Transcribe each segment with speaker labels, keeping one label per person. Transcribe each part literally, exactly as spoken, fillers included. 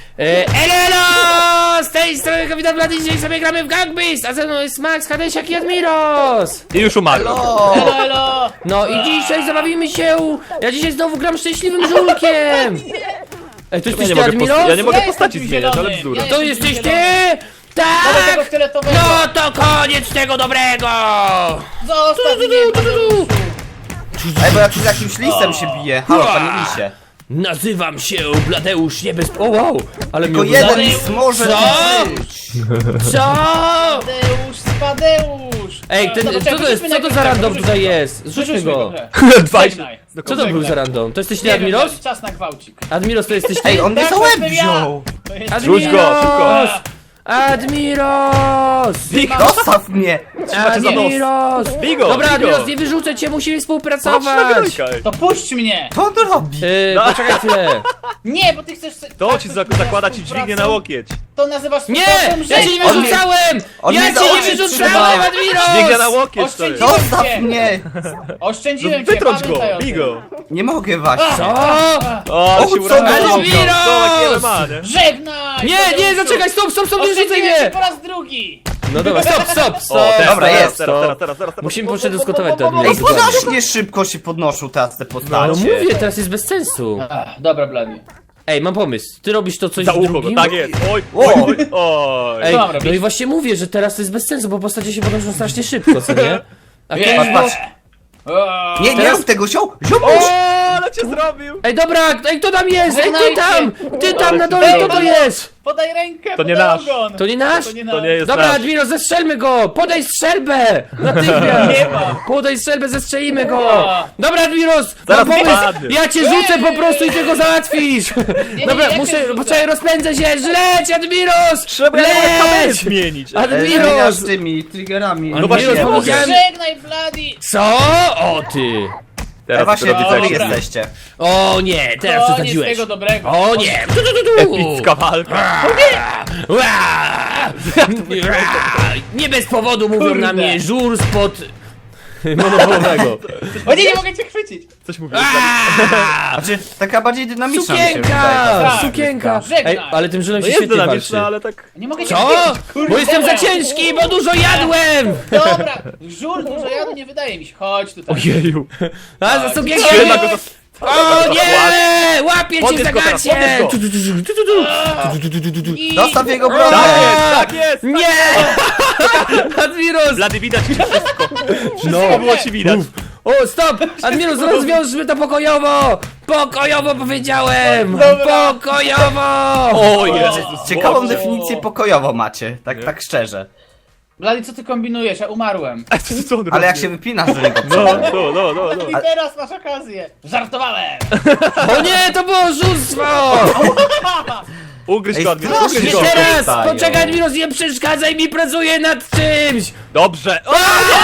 Speaker 1: E, elo, elo! Z tej strony Kapitan Blady, dzisiaj sobie gramy w Gang Beasts, a ze mną jest Max, Hadesiak i Admiros!
Speaker 2: I już umarłem.
Speaker 3: Elo, elo!
Speaker 1: No i dzisiaj zabawimy się, ja dzisiaj znowu gram szczęśliwym żulkiem! Ej, to
Speaker 2: Ja
Speaker 1: jesteś
Speaker 2: nie
Speaker 1: ty,
Speaker 2: mogę, posta-
Speaker 1: Admiros?
Speaker 2: ja nie mogę
Speaker 3: Ja
Speaker 2: postaci
Speaker 3: jestem
Speaker 2: zmieniać, ale
Speaker 3: zielony.
Speaker 2: bzdura.
Speaker 3: Ja
Speaker 1: To
Speaker 3: jestem
Speaker 1: jesteś ty?
Speaker 3: zielony. Dawaj tego
Speaker 1: Tak!
Speaker 3: fioletowego!
Speaker 1: No to koniec tego dobrego!
Speaker 3: Zostaw mnie, Tadeuszu!
Speaker 4: Ej, bo ja tu z jakimś listem się bije. Halo, panie lisie.
Speaker 1: Nazywam się Bladeusz Niebez... O wow! Ale
Speaker 4: Tylko
Speaker 1: mnie
Speaker 4: jeden
Speaker 1: ogląda-
Speaker 4: list może
Speaker 1: Co?
Speaker 4: być.
Speaker 1: Co?
Speaker 3: Tadeusz, Spadeusz!
Speaker 1: Ej, ten,
Speaker 3: Dobra,
Speaker 1: co to
Speaker 3: czekaj,
Speaker 1: jest,
Speaker 3: wyrzućmy
Speaker 1: co to
Speaker 3: najpierw
Speaker 1: za
Speaker 3: tak,
Speaker 1: random
Speaker 3: wyrzućmy
Speaker 1: tutaj
Speaker 3: go.
Speaker 1: jest? Zrzućmy
Speaker 3: Wyrzućmy
Speaker 1: go!
Speaker 3: grę.
Speaker 2: Dwadzieścia.
Speaker 3: Żegnaj.
Speaker 1: Co to był za random? To jesteś ty,
Speaker 3: Nie wiem,
Speaker 1: Admiros?
Speaker 3: Blady, czas na gwałcik.
Speaker 1: Admiros, to jesteś ty?
Speaker 4: Ej, on mnie
Speaker 3: Tak,
Speaker 4: za
Speaker 3: to
Speaker 4: łeb
Speaker 3: jestem ja.
Speaker 4: wziął.
Speaker 3: To jest...
Speaker 1: Admiros!
Speaker 2: Rzuć go, szybko.
Speaker 1: Admiros!
Speaker 4: Zostaw mnie.
Speaker 2: Trzymacie za nos.
Speaker 1: Admiros!
Speaker 2: Bigo,
Speaker 1: Dobra,
Speaker 2: bigo.
Speaker 1: Admiros, nie wyrzucę cię, musimy
Speaker 2: Patrz na
Speaker 1: współpracować!
Speaker 2: grojka, ej.
Speaker 3: To puść mnie!
Speaker 4: Co on tu robi?
Speaker 1: Yy, poczekaj chwilę.
Speaker 3: Nie, bo ty chcesz...
Speaker 2: To
Speaker 3: tak,
Speaker 2: ci
Speaker 3: coś
Speaker 2: zak-
Speaker 3: nazywasz
Speaker 2: zakłada ci dźwignię na
Speaker 3: współpracą?
Speaker 2: łokieć.
Speaker 3: To nazywasz
Speaker 1: Nie!
Speaker 3: współpracą?
Speaker 1: Ja cię nie
Speaker 4: On mnie-
Speaker 1: wyrzucałem!
Speaker 4: on
Speaker 1: Ja
Speaker 4: mnie za
Speaker 1: cię nie
Speaker 4: oczy
Speaker 1: wyrzucałem,
Speaker 4: trzymał.
Speaker 2: Dźwignia na
Speaker 1: Admiros!
Speaker 2: łokieć, stary.
Speaker 3: Oszczędziłem
Speaker 4: Zostaw
Speaker 3: cię!
Speaker 4: mnie.
Speaker 3: Oszczędziłem
Speaker 2: No
Speaker 3: cię,
Speaker 2: wytrąć go,
Speaker 3: pamiętaj o tym.
Speaker 2: bigo.
Speaker 4: Nie mogę właśnie.
Speaker 1: Co?
Speaker 2: O, ale
Speaker 4: O,
Speaker 2: się
Speaker 4: co
Speaker 2: uraził.
Speaker 4: ty
Speaker 2: No,
Speaker 4: robisz?
Speaker 2: Zobacz, ma, nie?
Speaker 3: Żegnaj!
Speaker 1: Nie, nie,
Speaker 3: Tadeuszu.
Speaker 1: zaczekaj, stop, stop, stop, nie rzucaj
Speaker 3: Oszczędziłem cię
Speaker 1: mnie!
Speaker 3: po raz drugi!
Speaker 1: No dobra, stop, stop, stop!
Speaker 2: O, teraz,
Speaker 4: Dobra,
Speaker 2: teraz,
Speaker 4: jest,
Speaker 2: teraz,
Speaker 1: stop.
Speaker 2: teraz, teraz, teraz, teraz.
Speaker 1: Musimy przedyskutować to,
Speaker 4: Ej,
Speaker 1: Admiros. dokładnie.
Speaker 4: strasznie szybko się podnoszą teraz te
Speaker 1: No
Speaker 4: postacie.
Speaker 1: mówię, teraz jest bez sensu.
Speaker 3: Ach, dobra, Blady.
Speaker 1: Ej, mam pomysł. Ty robisz to coś
Speaker 2: Za
Speaker 1: z
Speaker 2: ucho go,
Speaker 1: drugim?
Speaker 2: tak jest. Oj, oj, oj, oj.
Speaker 1: Ej,
Speaker 3: Co mam robić?
Speaker 1: no i właśnie mówię, że teraz to jest bez sensu, bo postacie się podnoszą strasznie szybko, co nie? A
Speaker 3: Nie,
Speaker 1: kiedyś
Speaker 4: Patrz,
Speaker 1: było...
Speaker 4: patrz.
Speaker 3: O,
Speaker 4: Nie, nie
Speaker 1: Teraz-
Speaker 4: rób tego, ziom, ziom.
Speaker 2: O, ale cię zrobił.
Speaker 1: Ej, dobra, ej, kto tam jest? Ej, ty
Speaker 3: Żegnajcie.
Speaker 1: tam! Ty tam na dole, kto to jest?
Speaker 3: Podaj rękę,
Speaker 2: To nie
Speaker 3: podaj
Speaker 2: nasz.
Speaker 3: ogon.
Speaker 1: To nie nasz?
Speaker 3: To nie,
Speaker 2: To nie jest
Speaker 1: Dobra,
Speaker 2: nasz.
Speaker 1: Admiro, zestrzelmy go! Podaj strzelbę! Natychmiast!
Speaker 3: Nie ma.
Speaker 1: Podaj strzelbę, zestrzelimy go! Dobra, Admiros!
Speaker 2: Zaraz
Speaker 1: Mam pomysł!
Speaker 2: wypadnie.
Speaker 1: Ja cię rzucę po prostu i ty go załatwisz!
Speaker 3: nie,
Speaker 1: Dobra,
Speaker 3: ja cię
Speaker 1: muszę,
Speaker 3: rzucę.
Speaker 1: poczekaj, rozpędzę się! Leć, Admiros!
Speaker 2: Trzeba ja mogę kamerę
Speaker 1: Leć!
Speaker 2: zmienić.
Speaker 4: Ej,
Speaker 1: Admiros!
Speaker 4: zmieniasz z tymi triggerami.
Speaker 1: No
Speaker 2: właśnie,
Speaker 1: Admiros,
Speaker 2: nie mogę.
Speaker 1: powiedziałem...
Speaker 3: Żegnaj, Blady.
Speaker 1: Co? O ty!
Speaker 4: Ej,
Speaker 2: Teraz
Speaker 4: właśnie,
Speaker 2: robię
Speaker 4: wy
Speaker 2: tak.
Speaker 4: tu
Speaker 3: Dobra.
Speaker 4: jesteście.
Speaker 1: O nie, teraz
Speaker 3: Koniec
Speaker 1: przesadziłeś.
Speaker 3: tego dobrego.
Speaker 1: O nie! Tu, tu, tu, tu.
Speaker 2: Epicka walka.
Speaker 1: Ła! Ła! Nie bez powodu mówią
Speaker 3: Kurde.
Speaker 1: na mnie żur spod monopolowego.
Speaker 3: O nie, nie mogę cię chwycić.
Speaker 2: Coś mówię.
Speaker 1: Aa!
Speaker 4: Znaczy, taka bardziej dynamiczna mi się wydaje.
Speaker 1: Sukienka!
Speaker 4: ta
Speaker 1: Sukienka!
Speaker 3: Żegnaj.
Speaker 1: Ej, ale tym żulem
Speaker 2: No
Speaker 1: się
Speaker 2: jest
Speaker 1: świetnie walczy.
Speaker 2: dynamiczna, ale tak...
Speaker 3: Nie mogę cię
Speaker 1: Co?
Speaker 3: chwycić. Kurde,
Speaker 1: Bo jestem za
Speaker 3: dobra.
Speaker 1: ciężki, bo dużo jadłem!
Speaker 3: Dobra, żur dużo jadu nie wydaje mi się. Chodź tutaj.
Speaker 2: Ojeju.
Speaker 1: A za sukienkę!
Speaker 2: Świetna go to...
Speaker 1: O nie! Łapię cię
Speaker 2: Podnieś
Speaker 1: za
Speaker 2: go teraz,
Speaker 1: gacie!
Speaker 2: podnieś go.
Speaker 1: Tu, tu, tu, tu, tu, tu, tu, tu, tu, tu, tu.
Speaker 3: I...
Speaker 4: Zostaw jego
Speaker 2: Tak
Speaker 4: brodę.
Speaker 2: jest, tak jest.
Speaker 1: Nie! Admiros!
Speaker 2: Blady, widać ci wszystko.
Speaker 1: No.
Speaker 2: Wszystko było ci widać.
Speaker 1: O, stop! Admiros, rozwiążmy to pokojowo! Pokojowo powiedziałem!
Speaker 3: Dobra.
Speaker 1: Pokojowo!
Speaker 2: O Jezus.
Speaker 4: Ciekawą
Speaker 2: Boże.
Speaker 4: definicję pokojowo macie, tak, tak szczerze.
Speaker 3: Blady, co ty kombinujesz? Ja umarłem.
Speaker 2: A co- co on
Speaker 4: Ale
Speaker 2: robi?
Speaker 4: jak się wypinasz do niego,
Speaker 2: No, no, no, no, no.
Speaker 3: I teraz masz okazję. Żartowałem.
Speaker 1: O nie, to było oszustwo!
Speaker 2: Ugryź
Speaker 4: Ej,
Speaker 2: go, Admiros,
Speaker 4: strasznie
Speaker 2: ugryź
Speaker 1: Nie
Speaker 2: go.
Speaker 4: się
Speaker 1: teraz!
Speaker 4: wystają.
Speaker 1: Poczekaj, Admiros, nie przeszkadzaj mi, pracuję nad czymś!
Speaker 2: Dobrze. O,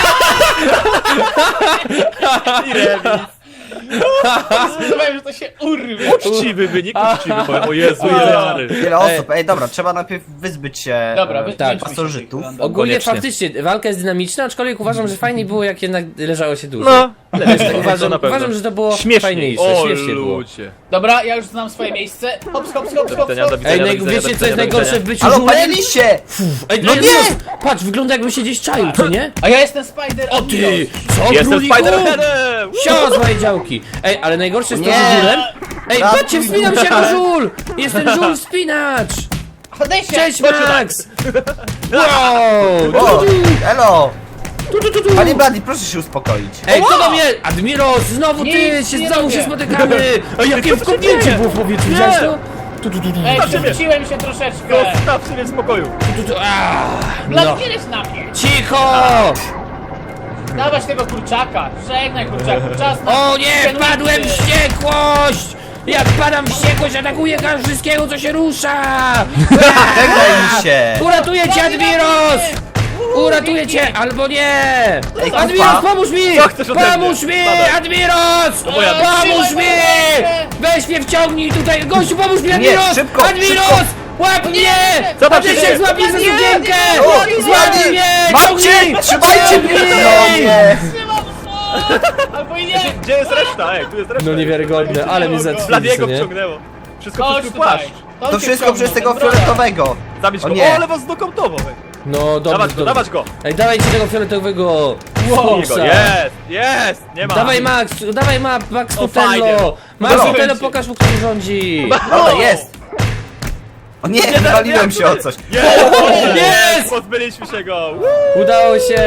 Speaker 2: I remis.
Speaker 3: Zdecydowałem, że to się urwie.
Speaker 2: Uczciwy wynik, uczciwy. powiem. O Jezu, ile jary.
Speaker 4: Wiele osób. Ej, dobra, trzeba najpierw wyzbyć się
Speaker 3: Dobra,
Speaker 4: e,
Speaker 3: wy,
Speaker 1: tak,
Speaker 3: wyjdźmy się
Speaker 4: pasożytów.
Speaker 3: z tych
Speaker 1: Ogólnie
Speaker 2: Koniecznie.
Speaker 1: faktycznie walka jest dynamiczna, aczkolwiek uważam, że fajniej było, jak jednak leżało się dużo.
Speaker 2: No,
Speaker 1: Ale wiesz, tak
Speaker 2: to
Speaker 1: uważam,
Speaker 2: na pewno.
Speaker 1: uważam, że to było
Speaker 2: Śmiesznie.
Speaker 1: fajniejsze,
Speaker 2: O
Speaker 1: śmiesznie było.
Speaker 2: ludzie.
Speaker 3: Dobra, ja już znam swoje miejsce. Hops, hops, hops,
Speaker 2: Do
Speaker 3: hops,
Speaker 2: widzenia, do
Speaker 3: hops.
Speaker 2: widzenia,
Speaker 1: Ej,
Speaker 2: do
Speaker 1: naj,
Speaker 2: widzenia,
Speaker 1: wiecie
Speaker 2: do
Speaker 1: co jest
Speaker 2: widzenia, do
Speaker 1: najgorsze w
Speaker 2: widzenia.
Speaker 1: byciu
Speaker 4: Halo, panie
Speaker 1: żulem?
Speaker 4: lisie!
Speaker 1: Ej,
Speaker 4: No
Speaker 1: nie!
Speaker 4: nie!
Speaker 1: Patrz, wygląda jakby się gdzieś czaił, co nie?
Speaker 3: A ja jestem Spider
Speaker 1: O ty! Co,
Speaker 2: Jestem
Speaker 1: króliku?
Speaker 2: Spider-Manem!
Speaker 1: Sio z mojej działki! Ej, ale najgorsze jest to,
Speaker 4: Nie.
Speaker 1: że żulem... Ej,
Speaker 4: Tak,
Speaker 1: patrzcie, wspinam się jako żul! Jestem żul wspinacz!
Speaker 3: Chodź się.
Speaker 1: Cześć, Max! Wow!
Speaker 4: O,
Speaker 1: Tu, tu,
Speaker 4: elo!
Speaker 1: tu, tu, tu, tu.
Speaker 4: Panie Blady, proszę się uspokoić.
Speaker 1: Ej, kto do mnie? Admiros, znowu ty!
Speaker 3: Nic
Speaker 1: Się,
Speaker 3: nie
Speaker 1: znowu
Speaker 3: robię.
Speaker 1: się spotykamy! Ej, jakie wkopnięcie było w powietrzu, widziałeś to? Tu, tu, tu, tu,
Speaker 3: Ej,
Speaker 2: Zostaw mnie.
Speaker 3: przewróciłem się troszeczkę.
Speaker 2: Zostaw mnie w spokoju.
Speaker 1: tu, tu, aaa,
Speaker 3: Blady,
Speaker 1: no.
Speaker 3: nie leć na mnie.
Speaker 1: Cicho!
Speaker 3: Dawać tego kurczaka. Żegnaj kurczaku. Czas na...
Speaker 1: O nie,
Speaker 3: sandwiczy.
Speaker 1: wpadłem w wściekłość! Jak padam w wściekłość, atakuję wszystkiego, co się rusza!
Speaker 4: Żegnaj lisie!
Speaker 1: Uratuję cię, Admiros! Uratuję cię, albo nie!
Speaker 4: Ej,
Speaker 1: Admiros,
Speaker 4: kupa.
Speaker 1: pomóż mi!
Speaker 2: Co chcesz ode mnie?
Speaker 1: Pomóż mi,
Speaker 2: Spadaj.
Speaker 1: Admiros!
Speaker 2: To moja
Speaker 1: Pomóż
Speaker 3: Trzymaj
Speaker 1: mi!
Speaker 3: moją
Speaker 1: Weź mnie wciągnij tutaj! Gościu, pomóż mi, Admiros!
Speaker 4: szybko,
Speaker 1: Admiros!
Speaker 4: szybko.
Speaker 1: Łap mnie!
Speaker 2: Co tam się
Speaker 1: Adesiak,
Speaker 2: dzieje?
Speaker 1: złap mnie za sukienkę!
Speaker 4: O,
Speaker 1: Złap
Speaker 4: Blady!
Speaker 1: mnie!
Speaker 4: Mam
Speaker 1: Ciągnij!
Speaker 4: cię! Trzymajcie mnie! No nie!
Speaker 3: Albo i nie.
Speaker 2: Gdzie jest reszta? Ej, tu jest reszta.
Speaker 1: No niewiarygodne, ale mnie
Speaker 2: Bladiego
Speaker 1: zatrzymali, nie?
Speaker 2: wciągnęło. Wszystko
Speaker 3: Chodź
Speaker 2: przez twój
Speaker 3: tutaj.
Speaker 2: płaszcz.
Speaker 4: To wszystko przez tego fioletowego.
Speaker 2: Zabić
Speaker 4: O
Speaker 2: go.
Speaker 4: nie.
Speaker 2: O, ale was znokautował.
Speaker 1: No dobrze,
Speaker 2: Dawać go,
Speaker 1: dobrze.
Speaker 2: dawać go.
Speaker 1: Ej, dawajcie tego fioletowego.
Speaker 3: Wow.
Speaker 2: Jego.
Speaker 1: Foxa.
Speaker 2: Jest, jest, nie ma.
Speaker 1: Dawaj Max, dawaj ma, Max
Speaker 2: O, fajnie.
Speaker 1: Nutello! Max
Speaker 4: No.
Speaker 1: Nutello, pokaż mu, kto rządzi!
Speaker 4: Dobra, jest. O nie, wywaliłem się o coś.
Speaker 2: Jest!
Speaker 1: Jest!
Speaker 2: Pozbyliśmy się go. Woo!
Speaker 1: Udało się!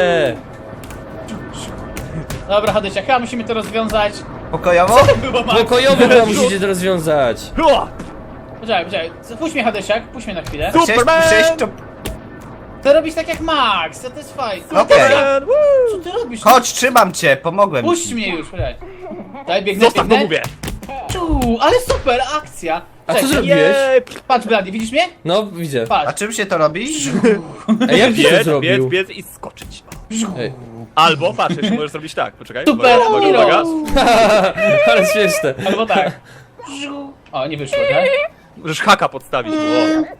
Speaker 3: Dobra, Hadesia, chyba musimy to rozwiązać.
Speaker 4: Pokojowo?
Speaker 3: Było Max.
Speaker 1: Pokojowo chyba musicie to rozwiązać.
Speaker 2: Hua!
Speaker 3: Poczekaj, poczekaj. Puść mnie, Hadesiak, puść mnie na chwilę.
Speaker 2: Tu-
Speaker 4: Chciałeś
Speaker 2: Superman!
Speaker 4: przejść to...
Speaker 3: Ty robisz tak jak Max, to jest fajne.
Speaker 4: Okej.
Speaker 2: Superman, woo!
Speaker 3: Co ty robisz?
Speaker 4: Chodź, trzymam cię, pomogłem
Speaker 3: Puść
Speaker 4: ci.
Speaker 3: mnie już, poczekaj. Daj, biegnę,
Speaker 2: Zostaw, no
Speaker 3: biegnę.
Speaker 2: mówię.
Speaker 3: Ciu, ale super akcja.
Speaker 1: A co
Speaker 3: Cześć,
Speaker 1: zrobiłeś?
Speaker 2: Jej,
Speaker 3: Patrz, Blady, widzisz mnie?
Speaker 1: No, widzę.
Speaker 4: A
Speaker 3: Patrz.
Speaker 4: czym się to robi?
Speaker 1: Ej, jak ty to
Speaker 2: Biec, biec,
Speaker 1: zrobił?
Speaker 2: biec i skoczyć.
Speaker 1: Ej.
Speaker 2: Albo, patrz, jeszcze możesz zrobić tak, poczekaj.
Speaker 3: Super,
Speaker 2: uwaga, uwaga, uwaga.
Speaker 1: Ale śmieszne.
Speaker 3: Albo tak. O, nie wyszło, tak?
Speaker 2: Możesz haka podstawić. O.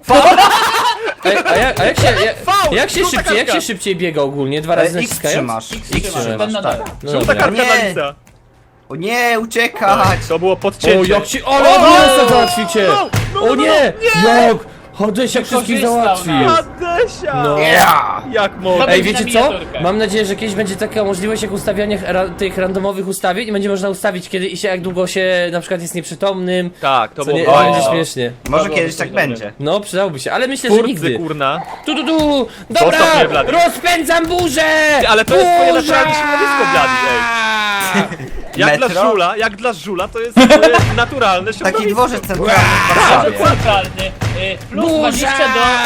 Speaker 1: Ej, a jak, a jak się, jak,
Speaker 2: Faul!
Speaker 1: jak się
Speaker 2: Żółta
Speaker 1: szybciej, jak się
Speaker 2: kartka.
Speaker 1: szybciej biega ogólnie? Dwa razy
Speaker 4: E, X
Speaker 1: naciskając?
Speaker 4: trzymasz.
Speaker 1: X
Speaker 3: Trzymasz,
Speaker 1: trzymasz.
Speaker 3: ten na dole.
Speaker 1: No
Speaker 2: Żółta
Speaker 1: dobra.
Speaker 2: kartka
Speaker 4: Nie.
Speaker 2: na lisa.
Speaker 4: O nie, uciekać!
Speaker 2: To było
Speaker 1: O,
Speaker 2: podcięcie.
Speaker 1: jak ci... Ale Admirosa załatwicie!
Speaker 2: no, no,
Speaker 1: O
Speaker 2: no,
Speaker 1: nie!
Speaker 2: no,
Speaker 1: Jak? Hadesiak wszystkich
Speaker 3: Wykorzystał
Speaker 1: załatwił!
Speaker 3: nas.
Speaker 2: Adesia!
Speaker 1: No.
Speaker 4: Yeah!
Speaker 2: Jak mogę?
Speaker 3: Dobra.
Speaker 1: Ej,
Speaker 3: będzie
Speaker 1: wiecie
Speaker 3: na
Speaker 1: co?
Speaker 3: miniaturkę.
Speaker 1: Mam nadzieję, że kiedyś będzie taka możliwość jak ustawianie ra tych randomowych ustawień i będzie można ustawić kiedy i się jak długo się na przykład jest nieprzytomnym.
Speaker 2: Tak, to
Speaker 1: Co nie,
Speaker 2: było
Speaker 1: to
Speaker 2: fajne.
Speaker 1: będzie
Speaker 3: O.
Speaker 1: śmiesznie.
Speaker 4: Może
Speaker 3: Dobra,
Speaker 4: kiedyś
Speaker 3: to
Speaker 4: tak
Speaker 3: dobre.
Speaker 4: będzie.
Speaker 1: No, przydałoby się, ale myślę, że
Speaker 2: Twórcy,
Speaker 1: nigdy.
Speaker 2: kurna.
Speaker 1: Tu, tu, tu! Dobra!
Speaker 2: Zostaw mnie, Blady.
Speaker 1: Rozpędzam burzę!
Speaker 2: Ty, ale to jest twoje
Speaker 1: Burza!
Speaker 2: naturalne środowisko, Blady, Jak
Speaker 4: Metro?
Speaker 2: dla żula, jak dla żula to jest e, naturalne środowisko.
Speaker 4: Taki dworzec centralny w Warszawie.
Speaker 3: Centralny. Y, Plus
Speaker 1: Burza!
Speaker 3: dwadzieścia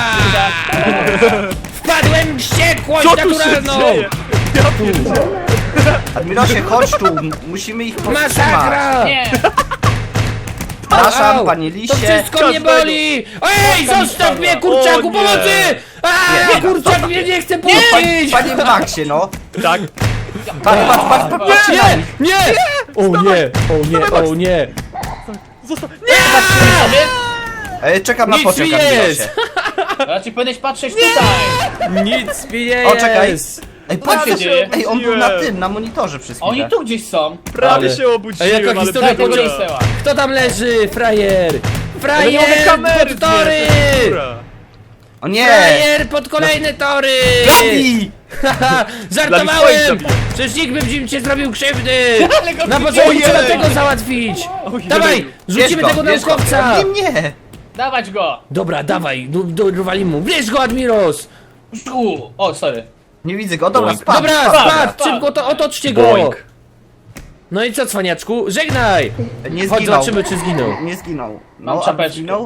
Speaker 3: do...
Speaker 1: Wpadłem w wściekłość
Speaker 2: Co tu się
Speaker 1: naturalną!
Speaker 2: dzieje? Ja pierdzielę.
Speaker 4: Admirosie, chodź tu, m- musimy ich powstrzymać.
Speaker 1: Masakra!
Speaker 3: Nie,
Speaker 4: Przepraszam,
Speaker 1: Au!
Speaker 4: panie
Speaker 1: To
Speaker 4: lisie.
Speaker 1: wszystko mnie
Speaker 2: Każdego.
Speaker 1: boli! Ej, zostaw mnie, kurczaku,
Speaker 2: O nie.
Speaker 1: pomocy! A, kurczak mnie nie chce
Speaker 4: Panie,
Speaker 1: puścić!
Speaker 4: panie Maxie, no.
Speaker 2: Tak.
Speaker 4: Patrz, patrz, patrz, patrz, patrz.
Speaker 1: Nie, nie! O nie, o nie, o nie!
Speaker 2: Zostaw.
Speaker 3: sobie.
Speaker 4: E, czekam na
Speaker 1: Nic
Speaker 4: pociąg,
Speaker 1: mi
Speaker 4: Admirosie.
Speaker 1: jest!
Speaker 3: Raczej powinieneś patrzeć tutaj.
Speaker 1: Nic mi nie
Speaker 4: O, czekaj.
Speaker 1: jest!
Speaker 4: Ej,
Speaker 3: Co się
Speaker 4: patrz,
Speaker 3: dzieje?
Speaker 4: ej, on był na tym, na monitorze przez
Speaker 3: A oni
Speaker 4: chwilę.
Speaker 3: tu gdzieś są.
Speaker 2: Prawie
Speaker 1: Ale-
Speaker 2: się obudziłem,
Speaker 1: Ej, jaka
Speaker 2: ale
Speaker 1: historia
Speaker 3: Daj tego
Speaker 2: dobra.
Speaker 1: powiedziała.
Speaker 3: Jace'a.
Speaker 1: Kto tam leży, frajer?
Speaker 2: Ale nie mogę
Speaker 1: Frajer
Speaker 2: kamery
Speaker 1: pod tory!
Speaker 2: zdjąć, dobra.
Speaker 4: O nie!
Speaker 1: Frajer pod kolejne tory!
Speaker 4: Bladi!
Speaker 1: Haha,
Speaker 2: Dla
Speaker 1: żartowałem!
Speaker 2: mnie swoich
Speaker 1: Przecież nikt by ci nie zrobił krzywdy!
Speaker 3: Ale go
Speaker 1: Na
Speaker 3: widziałem.
Speaker 1: początku trzeba
Speaker 2: Ojej.
Speaker 1: tego załatwić!
Speaker 2: Ojej.
Speaker 1: Dawaj, rzucimy
Speaker 4: Bierz
Speaker 1: tego
Speaker 4: go, bierz go.
Speaker 1: naukowca!
Speaker 4: Nie, nie!
Speaker 3: Dawać go.
Speaker 1: Dobra, dawaj, do, do, dorwali mu. Bierz go, Admiros!
Speaker 3: Żu. O, sorry.
Speaker 4: Nie widzę go, dobra,
Speaker 2: Boing.
Speaker 4: spadł.
Speaker 1: Dobra,
Speaker 4: spadł.
Speaker 1: spadł,
Speaker 3: spadł.
Speaker 1: szybko to otoczcie go!
Speaker 2: Boing.
Speaker 1: No i co, cwaniaczku? Żegnaj!
Speaker 4: Nie
Speaker 1: Chodź,
Speaker 4: zginął.
Speaker 1: zobaczymy, czy zginął.
Speaker 4: Nie zginął.
Speaker 3: Mam
Speaker 4: No, a
Speaker 3: czapeczkę.
Speaker 4: zginął?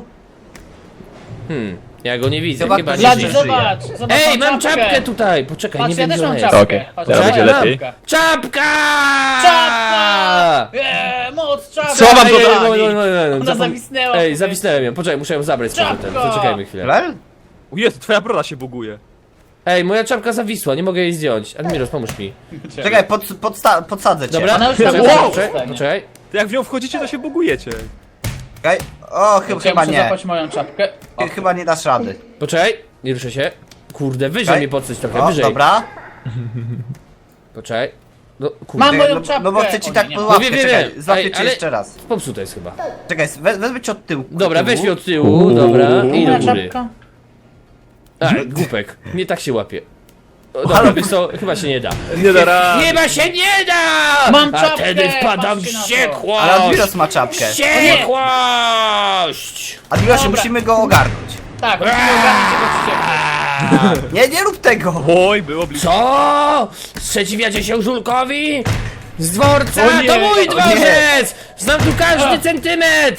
Speaker 1: Hmm, ja go nie widzę,
Speaker 4: Zobacz,
Speaker 1: chyba nie
Speaker 3: Blady,
Speaker 4: żyje.
Speaker 1: żyje.
Speaker 3: zobacz. zobacz
Speaker 1: Ej, mam czapkę tutaj! Poczekaj,
Speaker 3: Patrz,
Speaker 1: nie
Speaker 3: ja
Speaker 1: wiem,
Speaker 3: też
Speaker 1: gdzie
Speaker 3: mam
Speaker 1: ona jest.
Speaker 3: czapkę.
Speaker 2: Okej,
Speaker 3: Patrz,
Speaker 2: teraz
Speaker 3: ja
Speaker 2: będzie
Speaker 3: mam
Speaker 2: lepiej.
Speaker 3: czapkę.
Speaker 1: Czapka!
Speaker 3: Czapka! Eee, moc czapka!
Speaker 2: Co wam
Speaker 1: Ej,
Speaker 2: dodać?
Speaker 1: ej, ej, ej, ej, ej,
Speaker 3: Ona
Speaker 1: zapom-
Speaker 3: zawisnęła.
Speaker 1: Ej, zawisnąłem ją, poczekaj, muszę ją zabrać z powrotem.
Speaker 3: Czapko!
Speaker 1: Zaczekajmy chwilę.
Speaker 4: Lel?
Speaker 2: O Jezu, twoja broda się buguje.
Speaker 1: Ej, moja czapka zawisła, nie mogę jej zdjąć. Admiros, pomóż mi.
Speaker 4: Czekaj, pod, podsta podsadzę cię.
Speaker 1: Dobra,
Speaker 3: Ona już
Speaker 1: poczekaj,
Speaker 3: tam
Speaker 1: poczekaj,
Speaker 3: wow.
Speaker 1: poczekaj, poczekaj.
Speaker 2: To jak w nią wchodzicie, to się bugujecie.
Speaker 4: Czekaj. O, chy
Speaker 3: Ja
Speaker 4: chyba
Speaker 3: muszę
Speaker 4: nie.
Speaker 3: zapać moją czapkę. O,
Speaker 4: Chy- Chyba nie dasz rady.
Speaker 1: Poczekaj, nie ruszę się. Kurde, wyżej
Speaker 4: Czekaj.
Speaker 1: mnie podsyć trochę,
Speaker 4: O,
Speaker 1: wyżej.
Speaker 4: dobra.
Speaker 1: Poczekaj. No, kurde.
Speaker 3: Mam
Speaker 4: Czekaj,
Speaker 3: moją
Speaker 4: no,
Speaker 3: czapkę.
Speaker 4: no bo chcę ci
Speaker 3: O,
Speaker 4: tak
Speaker 3: nie, nie.
Speaker 4: pod łapkę,
Speaker 1: No wiem, wiem,
Speaker 4: czekaj.
Speaker 1: wiem.
Speaker 4: Złapię
Speaker 1: Ej,
Speaker 4: cię
Speaker 1: ale-
Speaker 4: jeszcze raz.
Speaker 1: Popsuta jest chyba.
Speaker 4: Czekaj, we, wezmę cię od tyłu.
Speaker 1: Dobra,
Speaker 4: od
Speaker 1: weź
Speaker 4: tyłu.
Speaker 1: mnie od tyłu, dobra, i do
Speaker 3: Moja
Speaker 1: góry.
Speaker 3: czapka.
Speaker 1: A, głupek, nie tak się łapie. O, dobra, wiesz co, chyba się nie da.
Speaker 2: Nie da rady.
Speaker 1: Chyba się nie da!
Speaker 3: Mam
Speaker 1: A
Speaker 3: czapkę,
Speaker 1: wtedy wpadam w
Speaker 3: patrzcie na to.
Speaker 1: wściekłość!
Speaker 4: Ale Admiros ma czapkę.
Speaker 1: Wściekłość!
Speaker 4: Admirosie,
Speaker 3: Dobra.
Speaker 4: musimy go ogarnąć.
Speaker 3: Tak, musimy ogarnąć jego wściekłość.
Speaker 4: Nie, nie rób tego!
Speaker 2: Oj, było blisko.
Speaker 1: Co? Sprzeciwiacie się Żulkowi? Z dworca?
Speaker 2: O nie,
Speaker 1: To mój
Speaker 2: o nie.
Speaker 1: dworzec! Znam tu każdy
Speaker 3: A.
Speaker 1: centymetr!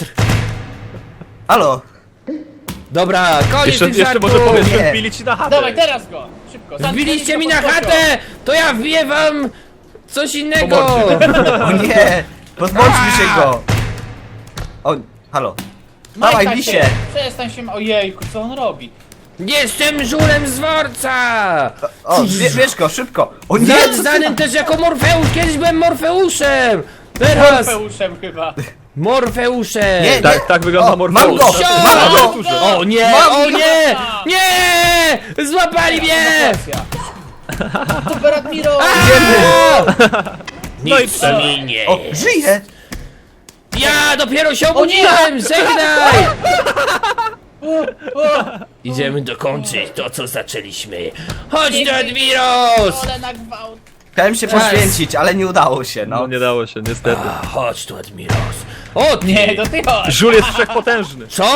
Speaker 4: Halo?
Speaker 1: Dobra, koniec
Speaker 2: Jeszcze,
Speaker 1: tych
Speaker 2: jeszcze może
Speaker 1: żartów!
Speaker 2: powiesz, że
Speaker 4: Nie.
Speaker 2: wbili ci na chatę.
Speaker 3: Dawaj, teraz go. Szybko. Sam
Speaker 1: Wbiliście mi
Speaker 3: pod
Speaker 1: na
Speaker 3: pociąg.
Speaker 1: chatę! To ja wbiję wam coś innego!
Speaker 4: O nie! Pozbądźmy się go! O, halo. Dawaj,
Speaker 3: Majka
Speaker 4: lisie!
Speaker 3: się. Przestań się... Ojejku, co on robi?
Speaker 1: Jestem żulem z dworca!
Speaker 4: O, bie, bierz go, szybko! O nie!
Speaker 1: Nie,
Speaker 4: co ty-
Speaker 1: znanym też jako Morfeusz, kiedyś byłem Morfeuszem! Teraz
Speaker 3: Morfeuszem chyba.
Speaker 1: Morfeuszem!
Speaker 4: Nie,
Speaker 2: Tak, tak wygląda
Speaker 4: O,
Speaker 2: Morfeusz.
Speaker 4: mam go! Mam go!
Speaker 1: O nie,
Speaker 4: Mam
Speaker 1: o
Speaker 4: go!
Speaker 1: nie! Nie! Złapali mnie!
Speaker 3: Super Admiro!
Speaker 4: Idziemy!
Speaker 2: No i
Speaker 1: Nic
Speaker 2: przed-
Speaker 1: mi nie!
Speaker 4: O, żyje!
Speaker 1: Ja dopiero się obudziłem! Żegnaj! Idziemy dokończyć to, co zaczęliśmy. Chodź do Admiros!
Speaker 3: Ale na gwałt.
Speaker 4: Chciałem się poświęcić, ale nie udało się,
Speaker 2: No
Speaker 4: no.
Speaker 2: nie dało się, niestety.
Speaker 1: A, chodź tu, Admiros. O, ty.
Speaker 3: Nie, to ty chodź.
Speaker 2: Żul jest wszechpotężny.
Speaker 1: Co?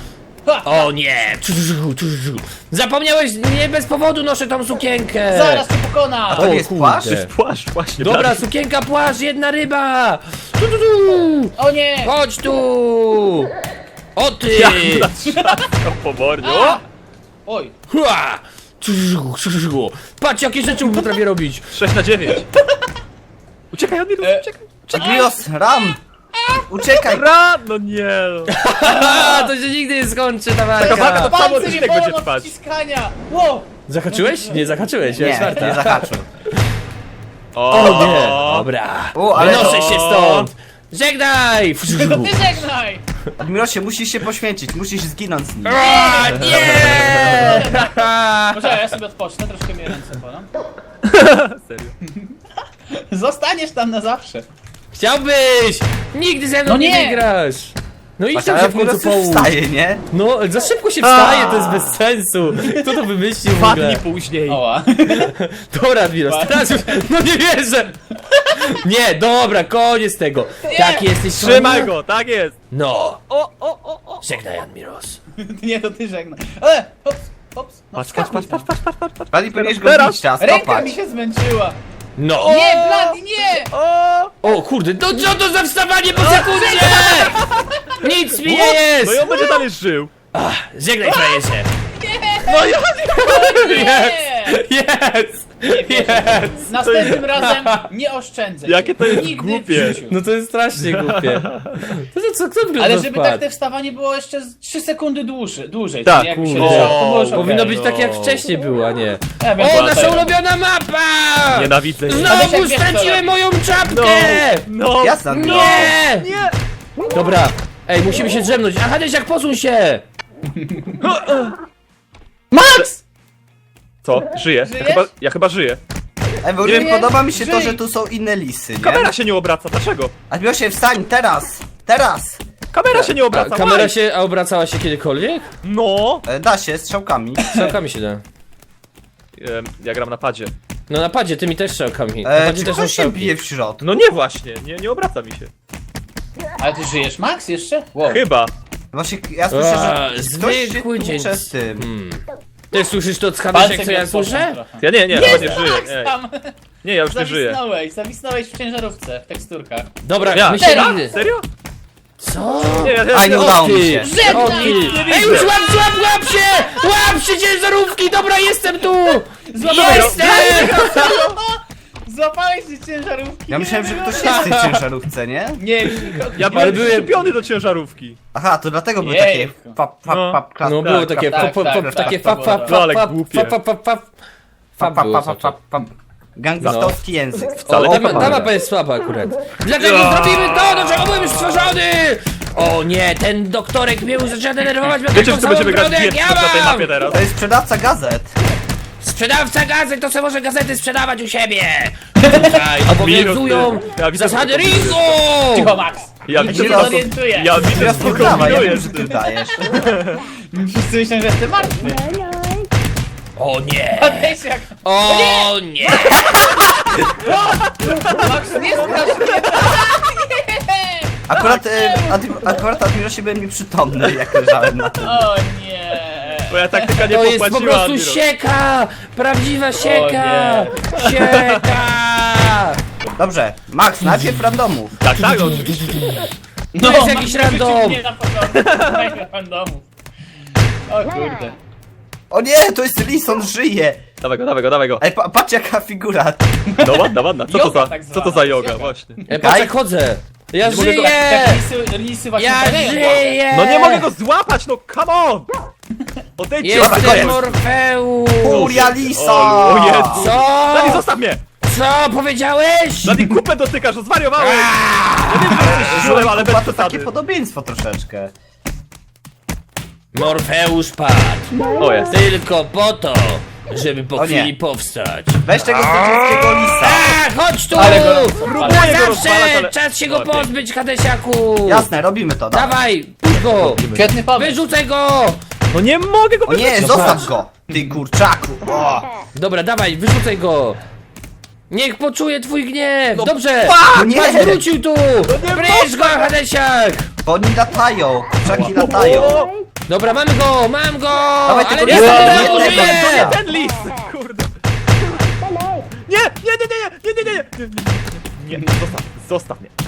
Speaker 1: O nie! Zapomniałeś, nie bez powodu noszę tą sukienkę!
Speaker 3: Zaraz cię pokona.
Speaker 4: To nie jest
Speaker 1: kurde.
Speaker 4: płaszcz?
Speaker 2: Płaszcz, właśnie.
Speaker 1: Dobra,
Speaker 2: Blady.
Speaker 1: sukienka, płaszcz, jedna ryba! Tu, tu, tu.
Speaker 3: O nie.
Speaker 1: Chodź tu! O ty!
Speaker 2: Ja zatrzymam po mordzie. O!
Speaker 3: Oj.
Speaker 1: Hua! Patrz, jakie rzeczy potrafię robić!
Speaker 2: sześć na dziewięć. Uciekaj, Admirus,
Speaker 3: E.
Speaker 2: uciekaj.
Speaker 4: Admiros, ram! Uciekaj!
Speaker 2: Ra! No nie no.
Speaker 1: A, to się nigdy nie skończy, ta
Speaker 2: Taka walka
Speaker 1: walka!
Speaker 2: to cały
Speaker 3: Palce mnie
Speaker 2: odcinek będzie
Speaker 3: bolą od
Speaker 2: trwać.
Speaker 3: wciskania. Wow.
Speaker 1: Zahaczyłeś? Nie zahaczyłeś, ja
Speaker 4: Nie,
Speaker 1: czwarta.
Speaker 4: nie zahaczył.
Speaker 1: O nie! Dobra,
Speaker 4: O, ale-
Speaker 1: wynoszę się stąd! Żegnaj!
Speaker 3: To ty żegnaj.
Speaker 4: Admirosie, musisz się poświęcić, musisz zginąć z nim.
Speaker 1: A, nie!
Speaker 3: Może ja sobie odpocznę, troszkę mnie ręce bolą.
Speaker 2: Serio.
Speaker 3: Zostaniesz tam na zawsze.
Speaker 1: Chciałbyś! Nigdy ze mną
Speaker 3: No
Speaker 1: nie
Speaker 3: nie.
Speaker 1: wygrasz! No idź tam
Speaker 4: Ale
Speaker 1: się w końcu
Speaker 4: Admiros już
Speaker 1: połóż!
Speaker 4: wstaje, nie?
Speaker 1: No, za szybko się wstaje, to jest bez sensu! Kto to wymyślił w
Speaker 2: Dwa
Speaker 1: ogóle?
Speaker 2: dni później.
Speaker 3: Oła.
Speaker 1: Dobra, Admiros, teraz już... No nie wierzę! Nie, dobra, koniec tego! Tak jesteś...
Speaker 2: Trzymaj go, tak jest.
Speaker 1: No!
Speaker 2: O, o, o, o.
Speaker 1: Żegnaj, Admiros.
Speaker 3: Nie, to ty żegnaj. E, hops, hops. No,
Speaker 2: Patrz, patrz, patrz, patrz, patrz, patrz, patrz, patrz.
Speaker 4: Blady, powinieneś go
Speaker 2: Teraz.
Speaker 4: bić, trzeba
Speaker 3: Ręka
Speaker 4: stopać.
Speaker 3: mi się zmęczyła.
Speaker 1: No!
Speaker 3: Nie, Blady, nie!
Speaker 2: O!
Speaker 1: O kurde, no co to za wstawanie po sekundzie? Nic mi nie
Speaker 2: No i
Speaker 1: jest!
Speaker 2: on będzie dalej żył.
Speaker 1: Ach, żegnaj, frajerze!
Speaker 2: No ja
Speaker 3: Nie!
Speaker 1: Jest! Jest!
Speaker 3: Następnym razem nie oszczędzę. cię.
Speaker 2: Jakie to jest
Speaker 3: Nigdy
Speaker 2: głupie.
Speaker 3: w życiu.
Speaker 1: No to jest strasznie głupie. To co, kto by
Speaker 3: Ale
Speaker 1: to
Speaker 3: żeby
Speaker 1: wpadł?
Speaker 3: tak te wstawanie było jeszcze z trzy sekundy dłużej, dłużej.
Speaker 2: Tak,
Speaker 3: czyli jakby się
Speaker 1: kurde.
Speaker 3: leżało, to było już
Speaker 1: Powinno
Speaker 3: okej.
Speaker 1: być tak jak wcześniej było, a nie.
Speaker 3: Ja wiem,
Speaker 1: O,
Speaker 3: co
Speaker 1: nasza
Speaker 3: to jest.
Speaker 1: ulubiona mapa!
Speaker 2: Nienawidzę jej.
Speaker 3: Ale
Speaker 1: Znowu
Speaker 3: jak wiesz, co
Speaker 1: straciłem
Speaker 3: robić.
Speaker 1: moją czapkę!
Speaker 2: No.
Speaker 4: Jasne, Admiros.
Speaker 1: Nie!
Speaker 2: Nie.
Speaker 1: Dobra, ej, musimy się drzemnąć. A Hadesiak, posuń się!
Speaker 3: Max!
Speaker 2: Co? Żyję. Ja
Speaker 3: Żyjesz?
Speaker 2: chyba, ja chyba żyję.
Speaker 4: Ej, bo
Speaker 3: Żyje?
Speaker 4: podoba mi się to,
Speaker 3: Żyj.
Speaker 4: że tu są inne lisy, nie?
Speaker 2: Kamera się nie obraca, dlaczego?
Speaker 4: Admirosie, wstań, teraz! Teraz!
Speaker 2: Kamera się nie
Speaker 1: A,
Speaker 2: obraca.
Speaker 1: kamera
Speaker 2: why?
Speaker 1: się a obracała się kiedykolwiek?
Speaker 2: No.
Speaker 4: E, Da się, strzałkami.
Speaker 1: Strzałkami się da.
Speaker 2: Em, Ja gram na padzie.
Speaker 1: No na padzie, tymi też strzałkami. Na
Speaker 4: E,
Speaker 1: padzie
Speaker 4: czy
Speaker 1: też są
Speaker 4: ktoś się
Speaker 1: strzałki.
Speaker 4: bije w środku?
Speaker 2: No nie właśnie, nie, nie obraca mi się.
Speaker 3: Ale ty żyjesz, Max, jeszcze? Wow.
Speaker 2: Chyba.
Speaker 4: Właśnie, ja słyszę,
Speaker 1: A,
Speaker 4: że ktoś się
Speaker 1: zwykły dzień.
Speaker 4: tłucze z tym.
Speaker 1: Hmm. Ty słyszysz to od
Speaker 3: Palce
Speaker 1: Hadesiak, co
Speaker 3: mi
Speaker 1: ja
Speaker 3: odpoczną
Speaker 1: słyszę?
Speaker 3: trochę.
Speaker 2: Ja nie, nie, chyba nie żyję.
Speaker 3: Max
Speaker 2: Nie,
Speaker 3: tam!
Speaker 2: nie ja już nie żyję.
Speaker 3: Zawisnąłeś, zawisnąłeś w ciężarówce, w teksturkach.
Speaker 1: Dobra,
Speaker 2: Ja.
Speaker 1: my się
Speaker 3: Teraz?
Speaker 1: nigdy...
Speaker 2: Serio?
Speaker 1: Co?
Speaker 2: Nie, ja, ja,
Speaker 4: A, nie
Speaker 2: ja,
Speaker 4: udało
Speaker 1: ty.
Speaker 4: mi się.
Speaker 1: O
Speaker 3: Żegnaj!
Speaker 1: ty! Ej, już łap, łap, łap się! Łap się ciężarówki! Dobra, jestem tu!
Speaker 3: Złapałeś
Speaker 1: Jestem!
Speaker 3: Złapałeś się ciężarówki?
Speaker 4: Ja myślałem, że ktoś jest w tej ciężarówce, nie?
Speaker 3: Nie, nikogo.
Speaker 2: ja
Speaker 1: Ale
Speaker 2: byłem
Speaker 1: byłem-
Speaker 2: przyczepiony do ciężarówki.
Speaker 4: Aha, to dlatego były
Speaker 3: Jejku.
Speaker 4: takie pap, pap,
Speaker 2: No.
Speaker 4: pap, klas,
Speaker 1: No było takie
Speaker 3: tak,
Speaker 1: pop, pop,
Speaker 3: tak,
Speaker 1: pop,
Speaker 3: tak,
Speaker 1: takie
Speaker 3: to
Speaker 1: fap,
Speaker 3: było
Speaker 1: fap,
Speaker 3: to.
Speaker 2: No,
Speaker 1: fap,
Speaker 2: ale
Speaker 1: fap,
Speaker 2: głupie.
Speaker 1: fap, fap, fap, fap.
Speaker 4: pap,
Speaker 1: Fap
Speaker 4: pap,
Speaker 1: było
Speaker 4: pap,
Speaker 1: znaczy.
Speaker 4: pap, pap. Gangstowski język.
Speaker 2: Wcale
Speaker 4: O,
Speaker 2: tak
Speaker 1: Ta,
Speaker 2: nie
Speaker 1: ta
Speaker 2: ma.
Speaker 1: mapa jest słaba akurat. Dlaczego
Speaker 2: Ja.
Speaker 1: zrobimy to, do czego byłem stworzony? O nie, ten doktorek mnie już zaczyna denerwować, miał
Speaker 2: Wiecie,
Speaker 1: taką
Speaker 2: że to będziemy
Speaker 1: samą
Speaker 2: grać
Speaker 1: brodę jak
Speaker 2: wieczność na tej
Speaker 1: ja
Speaker 2: mapie
Speaker 1: mam!
Speaker 2: teraz?
Speaker 4: To jest sprzedawca gazet.
Speaker 1: Sprzedawca gazet to sobie może gazety sprzedawać u siebie! Tutaj obowiązują
Speaker 2: Ja widzę,
Speaker 1: zasady
Speaker 2: że to
Speaker 1: ringu!
Speaker 3: Cicho, Max!
Speaker 2: Ja
Speaker 3: Nikt
Speaker 2: widzę,
Speaker 3: się
Speaker 4: po
Speaker 3: nie
Speaker 4: prostu-
Speaker 3: zorientuje!
Speaker 2: Ja widzę,
Speaker 4: Teraz
Speaker 2: że
Speaker 4: to
Speaker 2: to
Speaker 4: dawa, ja wiem,
Speaker 2: kombinujesz.
Speaker 4: że ty dajesz.
Speaker 3: Wszyscy myślą, że jestem martwy.
Speaker 1: O nie!
Speaker 3: Patrz jak...
Speaker 1: O nie!
Speaker 3: Max, nie strasz mnie! Nie!
Speaker 4: Akurat, e, Admi- akurat Admirosie byłem nieprzytomny, jak leżałem na tym.
Speaker 3: O nie!
Speaker 2: Moja taktyka nie
Speaker 1: To jest po
Speaker 2: popłaciła,
Speaker 1: prostu
Speaker 2: Admiro.
Speaker 1: sieka! Prawdziwa sieka!
Speaker 3: nie.
Speaker 1: Sieka!
Speaker 4: Dobrze, Max, najpierw randomów.
Speaker 2: Tak, tak, no, oczywiście.
Speaker 3: No,
Speaker 1: jest jakiś
Speaker 3: Max wyrzucił
Speaker 1: random.
Speaker 3: mnie na początku. Najpierw randomów. O kurde.
Speaker 4: O nie, to jest lis, on żyje.
Speaker 2: Dawaj go, dawaj go, dawaj go.
Speaker 4: Ej, pa, patrz jaka figura.
Speaker 2: No ładna, ładna. Co to
Speaker 3: Joga
Speaker 2: za,
Speaker 3: tak
Speaker 2: co to
Speaker 3: zwana,
Speaker 2: za yoga,
Speaker 3: joga.
Speaker 2: właśnie.
Speaker 1: Ja patrz jak chodzę! Ja
Speaker 2: mogę go-
Speaker 1: żyję!
Speaker 3: Jak lisy, lisy właśnie
Speaker 1: Ja
Speaker 3: biegają.
Speaker 1: żyję!
Speaker 2: No nie mogę go złapać, no come on! Odejdźcie
Speaker 4: Dobra,
Speaker 1: Jestem
Speaker 4: koniec.
Speaker 1: Morfeusz!
Speaker 4: Furia lisa!
Speaker 2: O, o Jezu.
Speaker 1: Co?
Speaker 2: Dani, zostaw mnie!
Speaker 1: Co powiedziałeś?
Speaker 2: Dani, kupę dotykasz, no zwariowałeś! Ja wiem, że jesteś żulem, ale bez
Speaker 4: Chyba to takie
Speaker 2: przesady.
Speaker 4: podobieństwo troszeczkę.
Speaker 1: Morfeusz padł!
Speaker 2: O, jest.
Speaker 1: Tylko po to, żeby po
Speaker 4: O nie.
Speaker 1: chwili powstać.
Speaker 4: Weź tego złodziejskiego lisa.
Speaker 1: A, chodź tu!
Speaker 3: Ale go
Speaker 1: Na
Speaker 2: Próbuję go
Speaker 1: zawsze!
Speaker 2: rozwalać, ale-
Speaker 1: Czas się go
Speaker 2: O, nie.
Speaker 1: pozbyć, Hadesiaku!
Speaker 4: Jasne, robimy to, dawaj.
Speaker 1: Dawaj, puść go!
Speaker 3: Świetny pomysł.
Speaker 1: Wyrzucaj go!
Speaker 2: No nie mogę go
Speaker 4: O nie,
Speaker 2: wyrzucić.
Speaker 4: zostaw go! Ty kurczaku! O.
Speaker 1: Dobra, dawaj, wyrzucaj go! Niech poczuje twój gniew! Dobrze!
Speaker 4: No nie!
Speaker 1: Patrz, wrócił tu! Bierz go, Hadesiak!
Speaker 4: Bo oni latają, kurczaki latają.
Speaker 2: O,
Speaker 1: Dobra, mam go, mam go!
Speaker 4: Dawaj,
Speaker 1: Ale
Speaker 4: tylko
Speaker 1: nie
Speaker 4: nie
Speaker 1: zdążyłem,
Speaker 4: jednego,
Speaker 1: użyję!
Speaker 4: jednego.
Speaker 2: nie ten lis! Kurde. Nie, nie, nie, nie, nie, nie, nie, nie, nie, nie, nie, zostaw, zostaw mnie.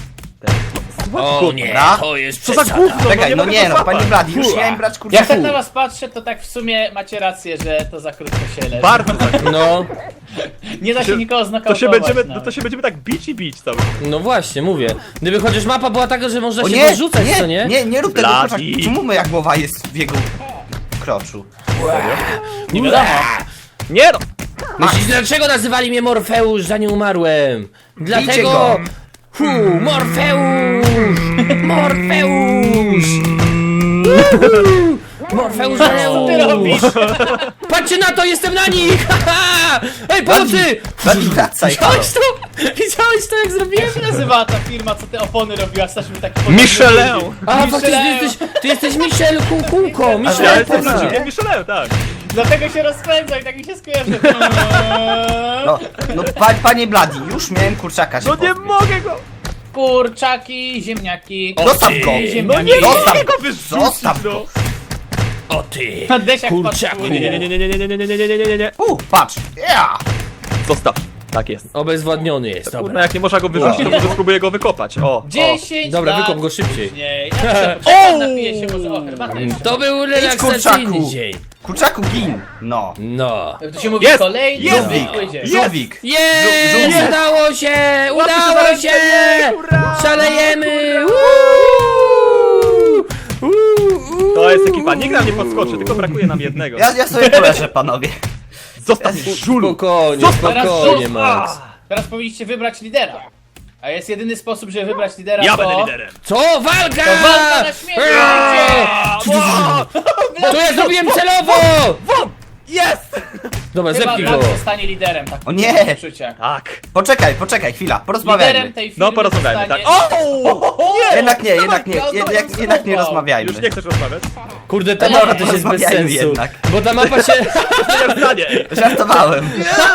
Speaker 1: O nie,
Speaker 4: Dobra.
Speaker 1: to jest
Speaker 2: Co za
Speaker 1: przesada.
Speaker 2: gówno,
Speaker 4: Czekaj, no
Speaker 2: mogę
Speaker 4: nie
Speaker 2: go
Speaker 4: no,
Speaker 2: złapać.
Speaker 4: panie Blady, już
Speaker 2: Ua.
Speaker 4: miałem brać
Speaker 3: Jak
Speaker 4: kurczaku.
Speaker 3: tak na was patrzę, to tak w sumie macie rację, że to za krótko się leży.
Speaker 2: Bardzo za
Speaker 1: No,
Speaker 3: Nie da się nikogo
Speaker 2: To
Speaker 3: znokautować.
Speaker 2: się będziemy, no
Speaker 3: nawet.
Speaker 2: to się będziemy tak bić i bić cały.
Speaker 1: no właśnie, mówię. Gdyby chociaż mapa była taka, że można
Speaker 4: O
Speaker 1: się
Speaker 4: nie,
Speaker 1: go rzucać, co
Speaker 4: nie,
Speaker 1: nie?
Speaker 4: nie, nie rób tego
Speaker 2: Blady.
Speaker 4: kurczaka. Czemu moja głowa jest w jego kroczu?
Speaker 3: Nie wiadomo.
Speaker 2: Nie no!
Speaker 1: Myślisz, dlaczego nazywali mnie Morfeusz, zanim umarłem?
Speaker 4: Bijcie
Speaker 1: Dlatego...
Speaker 4: go.
Speaker 1: Hu, Morfeusz! Morfeusz! Uhu! Morfeusz
Speaker 3: Co ty robisz?
Speaker 1: Patrzcie na to, jestem na nich! Haha! Ej, pomocy!
Speaker 4: Blady, wracaj, halo.
Speaker 1: Widziałeś to? Widziałeś to, jak zrobiłem?
Speaker 3: Jak się nazywa ta firma, co te opony robiła? Staliśmy taki
Speaker 2: Michelin!
Speaker 1: A, faktycznie, ty
Speaker 3: Michelin.
Speaker 1: jesteś, ty jesteś Michel Kukułko,
Speaker 2: Ja
Speaker 1: Michel
Speaker 2: jestem
Speaker 1: Kukułko.
Speaker 2: Michelin, Michelin, tak.
Speaker 3: Dlatego się rozpędza i tak mi się skojarzy.
Speaker 4: No, no pa, panie Blady, już miałem kurczaka się
Speaker 2: No nie
Speaker 4: pozbyć.
Speaker 2: mogę go!
Speaker 3: Kurczaki, ziemniaki.
Speaker 4: Zostaw
Speaker 1: ty.
Speaker 4: go!
Speaker 3: No nie
Speaker 4: Zostaw
Speaker 2: mogę
Speaker 4: go!
Speaker 2: go wyrzucić,
Speaker 4: Zostaw
Speaker 2: no.
Speaker 4: go!
Speaker 1: O ty,
Speaker 3: Desiak
Speaker 1: kurczaku.
Speaker 3: patrzuje.
Speaker 2: Nie, nie, nie, nie, nie, nie, nie, nie, nie, nie, nie, nie, nie.
Speaker 4: U, patrz! Ja!
Speaker 2: Zostaw. Tak jest.
Speaker 1: Obezwładniony jest,
Speaker 2: Kurna,
Speaker 1: dobra.
Speaker 2: jak nie można go wyrzucić, to może spróbuję go wykopać. O, o.
Speaker 3: dziesięć
Speaker 1: Dobra,
Speaker 3: lat
Speaker 1: wykop go szybciej.
Speaker 3: później. Ja się poczekam, napiję się może o herbatę jeszcze.
Speaker 1: To był
Speaker 4: kurczaku.
Speaker 1: relaksacyjny dzień.
Speaker 4: Kurczaku, gin! No.
Speaker 1: No.
Speaker 3: To się mówi
Speaker 2: Jest!
Speaker 3: kolejny
Speaker 2: Jest!
Speaker 3: zwykły dzień.
Speaker 4: Żółwik!
Speaker 1: Jest!
Speaker 4: Żółwik.
Speaker 1: Udało się!
Speaker 2: Łapy się
Speaker 1: Udało
Speaker 2: za
Speaker 1: się!
Speaker 2: ręce, hurra!
Speaker 1: Szalejemy!
Speaker 2: To jest ekipa, nikt nam nie podskoczy, tylko brakuje nam jednego.
Speaker 4: Ja, ja sobie poleżę, panowie.
Speaker 2: Zostaw mnie, żulu!
Speaker 1: Spokojnie,
Speaker 2: Zostaw-
Speaker 1: spokojnie,
Speaker 3: Teraz
Speaker 1: Max.
Speaker 3: Teraz powinniście wybrać lidera. A jest jedyny sposób, żeby wybrać lidera,
Speaker 2: Ja
Speaker 3: to...
Speaker 2: będę liderem.
Speaker 1: Co? Walka!
Speaker 3: To walka na śmierć!
Speaker 1: Eee! To ja zrobiłem celowo!
Speaker 2: Jest!
Speaker 1: Dobra,
Speaker 3: Chyba
Speaker 1: zepnij
Speaker 3: Black
Speaker 1: go.
Speaker 3: zostanie liderem, tak
Speaker 4: O nie!
Speaker 3: Uczucie.
Speaker 2: Tak.
Speaker 4: Poczekaj, poczekaj, chwila,
Speaker 3: Liderem
Speaker 4: porozmawiajmy.
Speaker 3: tej firmy
Speaker 2: No porozmawiajmy, tak.
Speaker 3: zostanie...
Speaker 2: O!
Speaker 4: Jednak nie, jednak nie,
Speaker 3: Dawaj,
Speaker 4: jednak,
Speaker 3: dawaj,
Speaker 4: jednak nie
Speaker 3: dawaj.
Speaker 4: rozmawiajmy.
Speaker 2: Już nie chcesz rozmawiać?
Speaker 1: Kurde, ta
Speaker 3: Nie,
Speaker 1: mapa też jest bez
Speaker 4: porozmawiajmy
Speaker 1: sensu.
Speaker 4: jednak.
Speaker 1: Bo ta mapa się...
Speaker 2: Nie stanie.
Speaker 4: Żartowałem.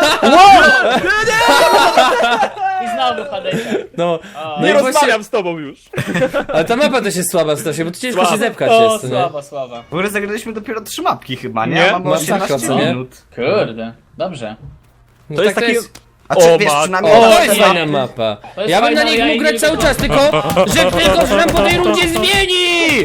Speaker 3: I znowu Hadesiak.
Speaker 1: No, no
Speaker 2: Nie
Speaker 1: i właśnie...
Speaker 2: rozmawiam z tobą już.
Speaker 1: Ale ta mapa też jest słaba strasznie, bo tu ciężko
Speaker 2: Słaba.
Speaker 1: się zepchać
Speaker 3: O,
Speaker 1: jest, nie?
Speaker 3: słaba, słaba.
Speaker 4: W ogóle zagraliśmy dopiero trzy mapki chyba, nie?
Speaker 2: Nie,
Speaker 4: Mamy
Speaker 1: masakra,
Speaker 4: osiemnaście
Speaker 1: co nie?
Speaker 4: minut.
Speaker 3: Kurde, dobrze.
Speaker 1: No
Speaker 2: To jest
Speaker 1: tak
Speaker 2: taki...
Speaker 4: A czy
Speaker 2: O,
Speaker 4: wiesz,
Speaker 2: matko.
Speaker 4: przynajmniej...
Speaker 1: O,
Speaker 4: na
Speaker 1: to
Speaker 4: te
Speaker 1: jest
Speaker 4: mapy-
Speaker 1: fajna mapa.
Speaker 3: To jest
Speaker 1: Ja bym na
Speaker 3: fajna,
Speaker 1: nich
Speaker 3: ja
Speaker 1: mógł
Speaker 3: jej
Speaker 1: grać
Speaker 3: nie
Speaker 1: cały
Speaker 3: lubię.
Speaker 1: czas, tylko że tylko że nam po tej rundzie zmieni!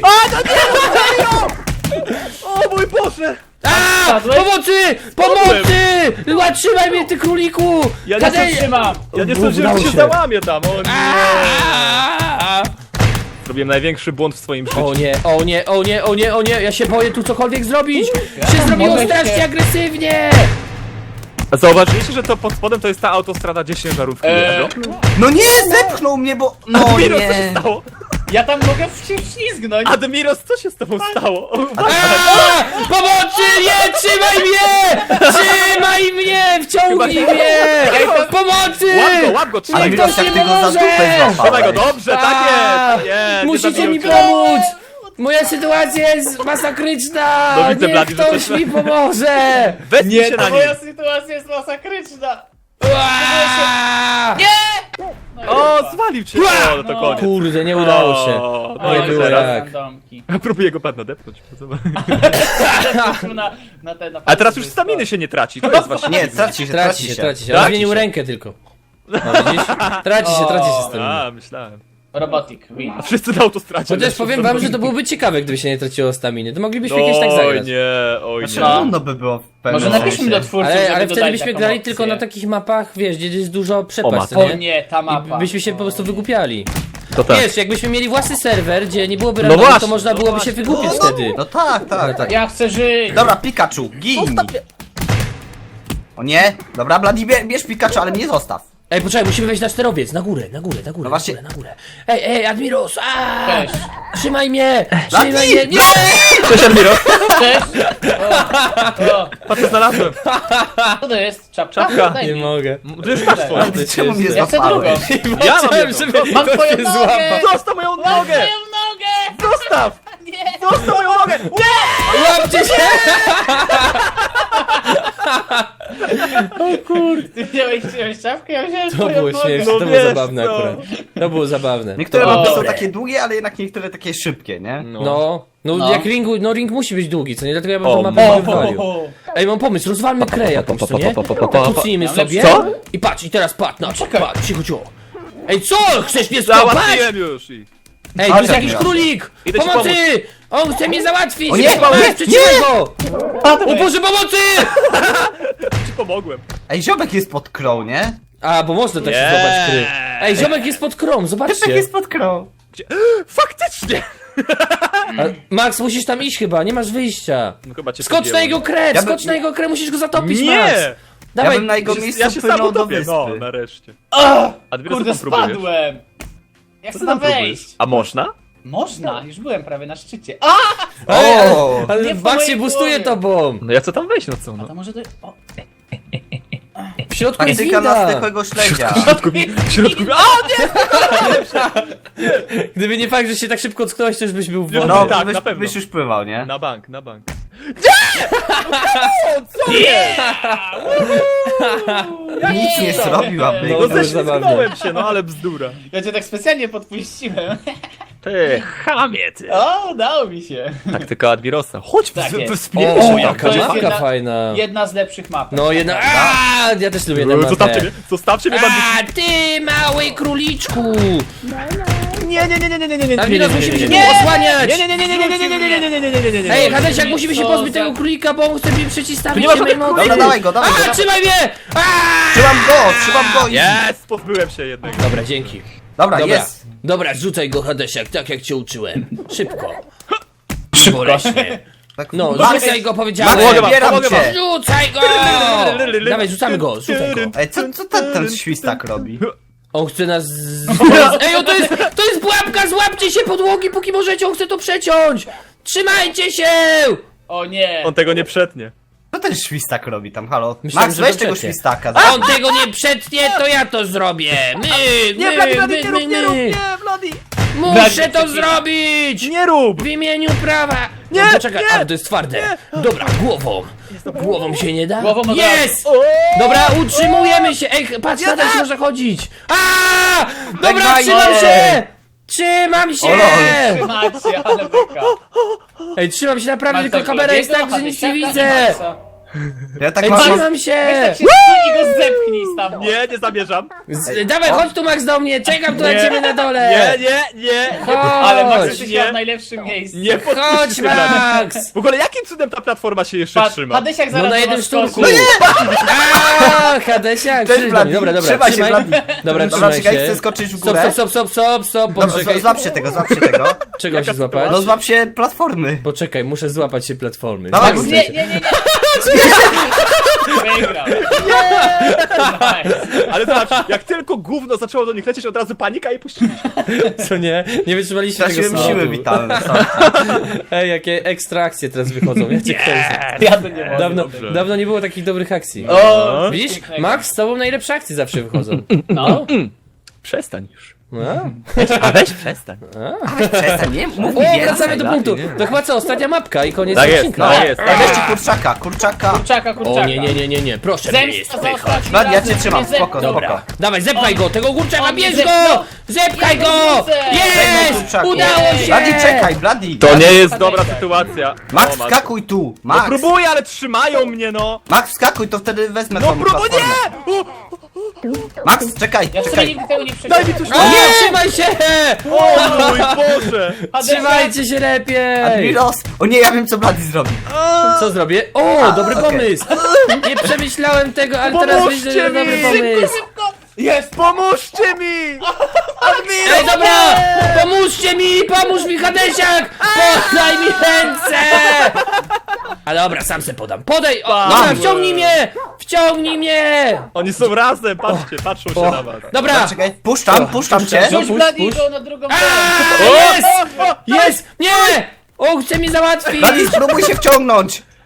Speaker 2: O mój Boże!
Speaker 1: A!
Speaker 3: Padłeś?
Speaker 1: Pomocy! Pomocy! Trzymaj mnie, ty króliku!
Speaker 2: Ja nie
Speaker 1: Kadej-
Speaker 2: chcę
Speaker 3: Trzymam.
Speaker 2: Ja nie
Speaker 1: Udało
Speaker 2: sądziłem, że się
Speaker 1: się.
Speaker 2: załamie tam, o nie!
Speaker 1: A!
Speaker 2: Zrobiłem największy błąd w swoim życiu.
Speaker 1: O nie, o nie, o nie, o nie, o nie, ja się boję tu cokolwiek zrobić! Się zrobiło
Speaker 3: mogę
Speaker 1: strasznie
Speaker 3: się-
Speaker 1: agresywnie!
Speaker 2: A zauważyliście, że to pod spodem to jest ta autostrada gdzie ciężarówki
Speaker 3: Eee,
Speaker 2: jeżdżą?
Speaker 4: No nie, zepchnął mnie, bo... No
Speaker 2: Admiros, co się
Speaker 4: nie.
Speaker 2: stało?
Speaker 3: Ja tam mogę się wślizgnąć.
Speaker 2: Admiros, co się z tobą stało? O,
Speaker 1: A! Pomocy! Nie! Trzymaj mnie! Trzymaj mnie! Wciągnij
Speaker 2: Chyba-
Speaker 1: mnie! Pomocy!
Speaker 2: Łap go, łap go, trzymaj
Speaker 1: Niech
Speaker 2: go!
Speaker 4: Admiros,
Speaker 1: ktoś
Speaker 4: jak
Speaker 1: mi
Speaker 4: ty go za
Speaker 1: pomoże!
Speaker 4: dupę
Speaker 2: Trzymaj go,
Speaker 4: złapałeś.
Speaker 2: dobrze, tak jest! jest nie
Speaker 1: Musicie
Speaker 2: zabiją
Speaker 1: mi
Speaker 2: cię.
Speaker 1: pomóc! Moja sytuacja jest masakryczna!
Speaker 2: No widzę,
Speaker 1: Niech
Speaker 2: Blady, że
Speaker 1: ktoś
Speaker 2: coś-
Speaker 1: mi pomoże!
Speaker 2: Wezmij się na
Speaker 3: To
Speaker 2: nim!
Speaker 3: moja sytuacja jest masakryczna.
Speaker 1: Ua!
Speaker 2: O, zwalił cię! O, no to koniec.
Speaker 1: Kurde, nie udało się.
Speaker 2: O,
Speaker 1: Nie
Speaker 2: no i
Speaker 1: było
Speaker 2: teraz.
Speaker 1: jak.
Speaker 3: Randomki.
Speaker 2: Próbuję go pewno depnąć.
Speaker 3: Na, na te, na
Speaker 2: A teraz już staminy się nie traci, to jest właśnie...
Speaker 4: Nie, traci się,
Speaker 1: Traci się, traci się. On
Speaker 2: Traci
Speaker 1: zmienił
Speaker 2: się.
Speaker 1: rękę tylko. No widzisz? Traci się, traci się z tym.
Speaker 2: A, myślałem.
Speaker 3: Robotic, win.
Speaker 2: A wszyscy na autostradzie.
Speaker 1: Chociaż powiem wam, że to byłoby ciekawe, gdyby się nie traciło staminy. To moglibyśmy kiedyś tak
Speaker 2: Oj
Speaker 1: zagrać.
Speaker 2: nie, oj nie.
Speaker 4: Znaczy, trudno by było w pewnym
Speaker 3: Może napiszmy
Speaker 4: sensie.
Speaker 3: do twórców,
Speaker 1: Ale,
Speaker 3: żeby
Speaker 1: ale wtedy
Speaker 3: dodali
Speaker 1: byśmy
Speaker 3: taką
Speaker 1: grali
Speaker 3: opcję.
Speaker 1: tylko na takich mapach, wiesz, gdzie jest dużo przepaść, co
Speaker 2: matko.
Speaker 3: O
Speaker 1: nie?
Speaker 3: nie, ta
Speaker 1: I
Speaker 3: mapa.
Speaker 1: byśmy się po prostu wygłupiali.
Speaker 2: To tak.
Speaker 1: Wiesz, jakbyśmy mieli własny serwer, gdzie nie byłoby
Speaker 2: No
Speaker 1: randomu, to
Speaker 2: właśnie,
Speaker 1: można
Speaker 2: no
Speaker 1: byłoby się
Speaker 2: właśnie.
Speaker 1: wygłupić wtedy.
Speaker 4: No tak, tak, tak.
Speaker 3: Ja chcę żyć.
Speaker 4: Dobra, Pikachu, gin! O nie? Dobra, Blady, bie- bierz Pikachu, ale mnie zostaw.
Speaker 1: Ej, poczekaj, musimy wejść na sterowiec, na górę, na górę, na górę,
Speaker 4: No właśnie.
Speaker 1: na górę, na górę. Ej, ej, Admiros, aaa!
Speaker 3: Cześć.
Speaker 1: Trzymaj mnie! Trzymaj
Speaker 4: Blady!
Speaker 1: mnie! Nie!
Speaker 2: Cześć Admiro!
Speaker 3: Cześć. O,
Speaker 2: Patrz co znalazłem.
Speaker 3: co to jest? Czapka?
Speaker 2: Czapka.
Speaker 3: Daj
Speaker 1: Nie
Speaker 3: mi.
Speaker 1: mogę.
Speaker 2: To już masz twoją.
Speaker 4: Ty czemu mnie
Speaker 3: Ja chcę drugą.
Speaker 4: złapałeś?
Speaker 2: Ja mam
Speaker 1: Chciałem,
Speaker 2: jedną.
Speaker 1: żeby
Speaker 3: Mam
Speaker 1: ktoś
Speaker 3: twoją
Speaker 1: mnie
Speaker 3: nogę!
Speaker 1: złapał.
Speaker 2: Zostaw moją
Speaker 3: Mam
Speaker 2: nogę!
Speaker 3: twoją nogę!
Speaker 2: Zostaw!
Speaker 3: Nie!
Speaker 2: Zostaw moją nogę!
Speaker 1: Łapcie się!
Speaker 3: Ty wziąłeś, wziąłeś czapkę? Ja wziąłem
Speaker 1: To
Speaker 3: twoją
Speaker 1: było
Speaker 3: nogę.
Speaker 1: śmieszne,
Speaker 2: No
Speaker 1: to było
Speaker 2: wiesz
Speaker 1: zabawne
Speaker 2: co.
Speaker 1: akurat. To było zabawne.
Speaker 4: Niektóre
Speaker 3: O.
Speaker 4: mapy są takie długie, ale jednak niektóre takie szybkie, nie?
Speaker 1: No, no,
Speaker 3: No.
Speaker 1: jak ringu, no ring musi być długi, co nie? Dlatego ja bym
Speaker 2: O,
Speaker 1: tą mapę
Speaker 3: O,
Speaker 1: nie wywalił.
Speaker 3: o, o.
Speaker 1: Ej, mam pomysł, rozwalmy krę jakąś, co nie? Tak kucnijmy
Speaker 3: Mam
Speaker 1: sobie.
Speaker 3: lepszy-
Speaker 2: Co?
Speaker 1: I patrz, i teraz patrz, no,
Speaker 3: czekaj.
Speaker 1: patrz, cicho, cicho. Ej, co? Chcesz mnie skopać?
Speaker 2: Załatwiłem już i...
Speaker 1: Ej, to
Speaker 4: Ale
Speaker 1: jest jakiś
Speaker 4: tak
Speaker 1: królik!
Speaker 2: Idę ci
Speaker 1: Pomocy! On chce mnie załatwić!
Speaker 4: O nie,
Speaker 1: Masz,
Speaker 4: nie,
Speaker 1: przytrzymaj go!
Speaker 3: Padłeś.
Speaker 1: O Boże, pomocy!
Speaker 2: Ci pomogłem.
Speaker 4: Ej, ziomek jest pod krą, nie?
Speaker 1: A, bo można tak się
Speaker 2: Nie.
Speaker 1: złapać kry. Ej, ziomek jest pod krą,
Speaker 4: Ziomek
Speaker 1: zobaczcie.
Speaker 4: jest pod krą.
Speaker 2: Gdzie? Faktycznie!
Speaker 1: A, Max, musisz tam iść chyba, nie masz wyjścia.
Speaker 2: No chyba cię
Speaker 1: Skocz na
Speaker 2: podjęłem.
Speaker 1: jego krę,
Speaker 4: Ja
Speaker 1: skocz
Speaker 4: bym-
Speaker 1: na jego krę, musisz go zatopić, Max.
Speaker 2: Nie!
Speaker 4: Ja
Speaker 1: Dawaj,
Speaker 4: bym na jego
Speaker 2: Ja się-
Speaker 4: miejscu
Speaker 2: Ja się sam
Speaker 4: płynął do
Speaker 2: utopię. No,
Speaker 4: wyspy.
Speaker 2: nareszcie.
Speaker 3: O,
Speaker 2: Admiro,
Speaker 3: kurde,
Speaker 2: co tam próbujesz?
Speaker 3: spadłem! Ja
Speaker 2: Co
Speaker 3: chcę
Speaker 2: ty tam
Speaker 3: tam
Speaker 2: próbujesz?
Speaker 3: wejść.
Speaker 2: A można?
Speaker 3: Można, już byłem prawie na szczycie. A!
Speaker 4: O!
Speaker 1: ale
Speaker 3: Nie w
Speaker 1: Max
Speaker 3: mojej
Speaker 1: się boostuje
Speaker 3: głowie.
Speaker 1: tobą.
Speaker 2: No ja chcę tam wejść, no co no?
Speaker 3: To może to... O,
Speaker 1: W środku jest
Speaker 4: Taktyka na
Speaker 1: winda.
Speaker 4: stykłego śledzia.
Speaker 2: W środku mi... W środku mi... A, nie!
Speaker 1: Gdyby nie fakt, że się tak szybko ocknąłeś, to już byś był w wodzie.
Speaker 4: No,
Speaker 2: tak,
Speaker 4: byś,
Speaker 2: na pewno.
Speaker 4: byś już pływał, nie?
Speaker 2: Na bank, na bank.
Speaker 4: Nic nie zrobił, aby...
Speaker 1: No,
Speaker 2: No
Speaker 1: to już
Speaker 2: ześlizgnąłem się, no ale bzdura.
Speaker 3: ja cię tak specjalnie podpuściłem.
Speaker 2: Ty, chamie ty.
Speaker 3: O, udało mi się.
Speaker 2: Taktyka Admirosa. Chodź,
Speaker 3: Tak
Speaker 2: w-
Speaker 3: jest.
Speaker 2: wspieraj
Speaker 1: O,
Speaker 2: się.
Speaker 1: jaka
Speaker 3: To jest
Speaker 1: mapka
Speaker 3: jedna-
Speaker 1: fajna.
Speaker 3: Jedna z lepszych map.
Speaker 1: No jedna... Aaa, ja też lubię tę
Speaker 2: Zostawcie
Speaker 1: mapę.
Speaker 2: mnie, zostawcie mnie, bandyci.
Speaker 1: A ty, mały króliczku!
Speaker 2: Nie, nie, nie, nie, nie, nie, nie, nie,
Speaker 1: Admiros, musimy się
Speaker 2: nie,
Speaker 1: tu osłaniać!
Speaker 2: nie, nie, nie, nie, nie, nie, nie, nie, nie, nie, nie, nie, nie, nie, nie, nie, nie.
Speaker 1: Ej, Hadesiak, musimy się
Speaker 3: Co
Speaker 1: pozbyć
Speaker 3: za-
Speaker 1: tego królika, bo on chce mi przeciwstawić
Speaker 2: Tu nie ma
Speaker 1: się mojej
Speaker 2: żadnych
Speaker 1: mocy.
Speaker 4: Dobra, dawaj go, dawaj go,
Speaker 1: A,
Speaker 4: dawaj.
Speaker 1: trzymaj mnie! Aaa!
Speaker 4: Trzymam go, trzymam go i...
Speaker 2: Jest, pozbyłem się jednego.
Speaker 1: Dobra, dzięki.
Speaker 4: Dobra,
Speaker 1: Dobra,
Speaker 4: jest.
Speaker 1: dobra, rzucaj go, Hadesiak, tak jak cię uczyłem. Szybko. Boleśnie.
Speaker 4: Tak,
Speaker 1: No,
Speaker 4: Max,
Speaker 1: rzucaj go,
Speaker 4: Max,
Speaker 1: powiedziałem.
Speaker 2: Pomogę wam,
Speaker 4: zbieram
Speaker 2: pomogę
Speaker 4: cię.
Speaker 2: wam.
Speaker 1: Rzucaj go! Dawaj, rzucamy go, rzucaj go.
Speaker 4: Ej, co, co ten, ten świstak robi?
Speaker 1: On chce nas... z- Ej, o, to jest, to jest pułapka, złapcie się podłogi, póki możecie, on chce to przeciąć! Trzymajcie się!
Speaker 3: O nie.
Speaker 2: On tego nie przetnie.
Speaker 4: Co ten świstak robi tam, halo?
Speaker 1: Myślałem,
Speaker 4: Max,
Speaker 1: że
Speaker 4: weź
Speaker 1: to
Speaker 4: tego
Speaker 1: przecie.
Speaker 4: świstaka.
Speaker 1: On tego nie przetnie, to ja to zrobię! My,
Speaker 2: Nie,
Speaker 1: my,
Speaker 2: Bloody, Bloody,
Speaker 1: my,
Speaker 2: nie
Speaker 1: my,
Speaker 2: rób, nie rób,
Speaker 1: my.
Speaker 2: nie, Bloody.
Speaker 1: Muszę to zrobić!
Speaker 2: Nie rób.
Speaker 1: W imieniu prawa!
Speaker 2: Nie,
Speaker 1: No, poczekaj,
Speaker 2: nie,
Speaker 1: ale to jest twarde. Dobra, głową. Głową się nie da?
Speaker 3: Głową od razu.
Speaker 1: Jest! Dobra, utrzymujemy się! Ej, patrz, nadal się można chodzić! A! Dobra,
Speaker 4: Żegnaj
Speaker 1: trzymam
Speaker 4: się.
Speaker 1: się! Trzymam się!
Speaker 4: O lol.
Speaker 3: Trzymacie, ale beka.
Speaker 1: Ej, trzymam się naprawdę,
Speaker 3: Masz
Speaker 1: tylko
Speaker 3: tak
Speaker 1: kamera jest
Speaker 3: Bladiego,
Speaker 1: tak, że nic nie
Speaker 3: Hadesiaka i
Speaker 1: widzę!
Speaker 3: Maxa.
Speaker 4: Ja tak
Speaker 1: Ej,
Speaker 4: mam...
Speaker 1: trzymam
Speaker 3: Weź
Speaker 1: się!
Speaker 3: tak się stój i go zepchnij stamtąd.
Speaker 2: Nie, nie zamierzam.
Speaker 1: Z, dawaj, chodź tu Max do mnie, czekam tu na
Speaker 2: Nie.
Speaker 1: ciebie na dole!
Speaker 2: Nie, nie, nie.
Speaker 1: Chodź!
Speaker 3: Ale Max jesteś
Speaker 2: Nie.
Speaker 3: w najlepszym miejscu.
Speaker 2: Nie
Speaker 1: Chodź,
Speaker 2: podpuśćcie mnie.
Speaker 1: Max!
Speaker 2: W ogóle jakim cudem ta platforma się jeszcze
Speaker 3: Patrz,
Speaker 2: trzyma?
Speaker 3: Hadesiak
Speaker 1: No
Speaker 3: zaraz
Speaker 1: na
Speaker 3: do
Speaker 1: jednym
Speaker 3: was
Speaker 1: szturku!
Speaker 3: skoczy.
Speaker 1: Aaa, Hadesiak!
Speaker 4: Cześć,
Speaker 1: przyjdź do mnie.
Speaker 4: Bladi,
Speaker 1: Dobra, dobra,
Speaker 4: trzymaj się, Bladi.
Speaker 1: Dobra,
Speaker 4: Dobra,
Speaker 1: trzymaj
Speaker 4: czekaj,
Speaker 1: się.
Speaker 4: chcę skoczyć w
Speaker 1: Stop,
Speaker 4: górę.
Speaker 1: stop, stop, stop, stop,
Speaker 4: Dobra,
Speaker 1: poczekaj.
Speaker 4: z- złap się tego, złap się tego.
Speaker 1: Czego się złapać?
Speaker 4: No złap się platformy.
Speaker 1: Poczekaj, muszę złapać się platformy.
Speaker 4: Dawaj,
Speaker 1: Max,
Speaker 4: bo-
Speaker 3: Nie, nie, nie, nie. Wygrał. Nice.
Speaker 2: Ale zobacz, jak tylko gówno zaczęło do nich lecieć, od razu panika i puściliśmy.
Speaker 1: co nie? Nie wytrzymaliście tego
Speaker 4: Straciłem
Speaker 1: slotu.
Speaker 4: siły witalne. sorry.
Speaker 1: Ej, jakie ekstra akcje teraz wychodzą. Ja cię kręcę.
Speaker 3: Ja to nie mogę.
Speaker 1: Dawno,
Speaker 2: dobrze.
Speaker 1: dawno nie było takich dobrych akcji.
Speaker 3: O,
Speaker 1: Widzisz?
Speaker 3: pięknego.
Speaker 1: Max, z tobą najlepsze akcje zawsze wychodzą.
Speaker 3: No.
Speaker 2: Przestań już.
Speaker 1: A?
Speaker 2: A weź przestań.
Speaker 4: Przestań, nie? Mów
Speaker 1: O,
Speaker 4: mi więcej.
Speaker 1: wracamy do
Speaker 2: Bladi,
Speaker 1: punktu.
Speaker 2: nie?
Speaker 1: To chyba co, ostatnia mapka i koniec
Speaker 2: Tak jest,
Speaker 1: odcinka.
Speaker 2: tak jest.
Speaker 4: Ej, weźcie kurczaka, kurczaka.
Speaker 3: Kurczaka, kurczaka.
Speaker 1: O nie, nie, nie, nie, nie, proszę mnie nie
Speaker 3: Zemsta za
Speaker 1: spychać.
Speaker 3: ostatnim
Speaker 4: Bladi, ja
Speaker 3: razem
Speaker 4: cię trzymam,
Speaker 3: mnie
Speaker 4: spoko,
Speaker 3: zepnął.
Speaker 4: spoko.
Speaker 1: Dawaj, zepchaj go, tego kurczaka,
Speaker 3: On mnie
Speaker 1: bierz
Speaker 3: zepnął.
Speaker 1: go! Zepchaj
Speaker 3: Ja
Speaker 1: go!
Speaker 3: go widzę.
Speaker 4: Żegnaj,
Speaker 1: Jest!
Speaker 4: kurczaku.
Speaker 1: Udało się!
Speaker 4: Bladi, czekaj, Bladi.
Speaker 2: To nie jest dobra sytuacja.
Speaker 4: Max,
Speaker 2: O, Max.
Speaker 4: wskakuj tu.
Speaker 2: No
Speaker 4: Max,
Speaker 2: próbuję, ale trzymają mnie, no.
Speaker 4: Max, wskakuj, to wtedy wezmę
Speaker 2: No
Speaker 4: tą
Speaker 2: próbuję,
Speaker 4: platformę.
Speaker 2: nie! O,
Speaker 4: Max, czekaj,
Speaker 3: Ja sobie
Speaker 4: czekaj.
Speaker 3: nigdy tego nie
Speaker 2: daj
Speaker 3: przeczytam.
Speaker 2: mi tu
Speaker 1: O nie, trzymaj się!
Speaker 2: O mój Boże.
Speaker 1: Trzymajcie się lepiej!
Speaker 4: Admiros. O nie, ja wiem co Bladi zrobi.
Speaker 1: Co zrobię? O, dobry
Speaker 4: okej.
Speaker 1: pomysł! Nie przemyślałem tego, ale teraz
Speaker 2: Pomóżcie
Speaker 1: myślę, że
Speaker 2: mi!
Speaker 1: dobry
Speaker 2: Szybko,
Speaker 1: pomysł.
Speaker 2: Jest, pomóżcie mi!
Speaker 1: Ej, dobra! Pomóżcie mi! Pomóż mi, Hadesiak! Podaj mi ręce! A dobra, sam se podam. Podaj! O, dobra,
Speaker 2: Padłem.
Speaker 1: wciągnij mnie! Wciągnij mnie!
Speaker 2: Oni są razem, patrzcie, patrzą się
Speaker 1: O,
Speaker 2: na was.
Speaker 1: dobra!
Speaker 4: Czekaj, puszczam, puszczam cię.
Speaker 1: No,
Speaker 3: Puść
Speaker 1: puść,
Speaker 3: Bladiego na drugą
Speaker 1: A,
Speaker 3: stronę.
Speaker 1: jest! Jest! Nie! O, chce mi załatwić!
Speaker 4: Bladi, spróbuj się wciągnąć.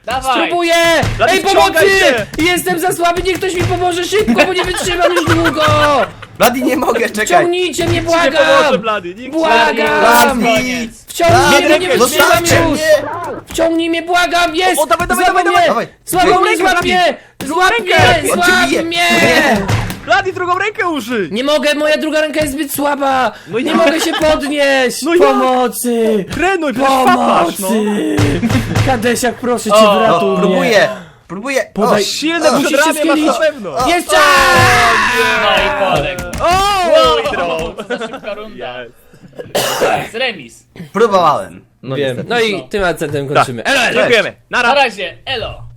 Speaker 3: Dawaj.
Speaker 1: Spróbuję!
Speaker 2: Blady,
Speaker 1: Ej,
Speaker 2: wciągaj
Speaker 1: pomocy!
Speaker 2: się!
Speaker 1: Jestem za słaby, niech ktoś mi pomoże szybko, bo nie wytrzymam już długo!
Speaker 4: Blady, nie mogę, czekaj.
Speaker 1: Wciągnijcie mnie,
Speaker 2: Nikt ci nie pomoże,
Speaker 1: błagam!
Speaker 2: Blady, nikt ci
Speaker 1: Błagam!
Speaker 4: Blady!
Speaker 3: Koniec.
Speaker 1: Wciągnij mnie, bo nie
Speaker 2: Blady,
Speaker 1: wytrzymam
Speaker 4: zostawcie
Speaker 1: już!
Speaker 4: mnie!
Speaker 1: Wciągnij mnie, błagam! Jest!
Speaker 2: O, dawaj, dawaj,
Speaker 1: Złapał
Speaker 2: dawaj,
Speaker 1: mnie!
Speaker 4: dawaj.
Speaker 1: Złapał
Speaker 2: Drugą
Speaker 1: mnie,
Speaker 2: rękę,
Speaker 1: złap
Speaker 2: Blady.
Speaker 1: mnie! Złap mnie!
Speaker 2: rękę.
Speaker 4: On cię
Speaker 1: Złap
Speaker 4: bije.
Speaker 1: mnie!
Speaker 4: Nie.
Speaker 2: Blady, drugą rękę użyj!
Speaker 1: Nie mogę, moja druga ręka jest zbyt słaba!
Speaker 2: No
Speaker 1: Nie
Speaker 2: jak?
Speaker 1: mogę się podnieść!
Speaker 2: No jak?
Speaker 1: Pomocy!
Speaker 2: Trenuj, przecież papasz, no!
Speaker 1: Pomocy! Kadesiak, proszę cię,
Speaker 3: O,
Speaker 1: wyratuj
Speaker 4: O,
Speaker 1: mnie!
Speaker 4: próbuję, próbuję.
Speaker 1: Podaj-
Speaker 4: O,
Speaker 2: Silne
Speaker 4: o,
Speaker 1: musisz się
Speaker 2: przedramię masz na
Speaker 1: schylić.
Speaker 2: pewno!
Speaker 1: Jeszcze!
Speaker 3: No i poległ.
Speaker 2: O,
Speaker 3: O,
Speaker 2: hydro!
Speaker 3: to za szybka runda.
Speaker 2: Yes.
Speaker 3: Jest remis.
Speaker 4: Próbowałem.
Speaker 1: Wiem. No i tym akcentem kończymy. Elo, elo!
Speaker 2: Dziękujemy,
Speaker 3: Na
Speaker 2: nara!
Speaker 3: razie, elo.